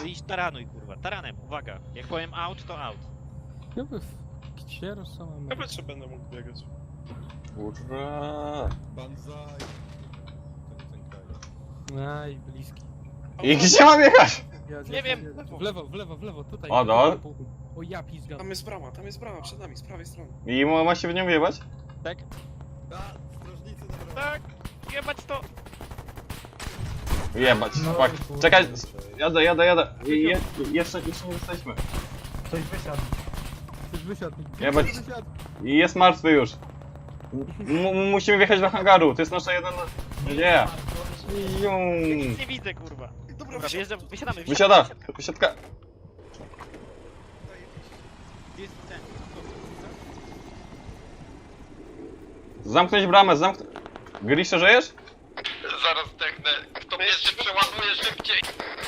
Idź taranuj, kurwa. Taranem, uwaga. Jak powiem out, to out. Chyba gdzie rozsądzam? Chyba jeszcze będę mógł biegać. Kurwa. Banzai. Ten kraj. Aj, bliski. I gdzie mam jechać? Nie wiem. W lewo, tutaj. O, no. O ja pizgam. Tam jest brama przed nami, z prawej strony. I ma się w nią wjebać? Tak? A, strażnicy dobra. Tak! Jebać to! Jebać, No, fuck. kurwa. Czekaj, jadę. Jeszcze nie jesteśmy. Ktoś wysiadł. Ktoś wysiadł. Jebać. Ktoś wysiadł. I jest martwy już. Musimy wjechać do hangaru, to jest nasza jedna... Nie. Nic nie widzę, kurwa. Dobra, wysiadamy. Wysiada, wysiadka. Gdzie jest ten? Zamknąć bramę, Grisza, żyjesz? Zaraz zdechnę. Kto pierwszy przeładuje szybciej.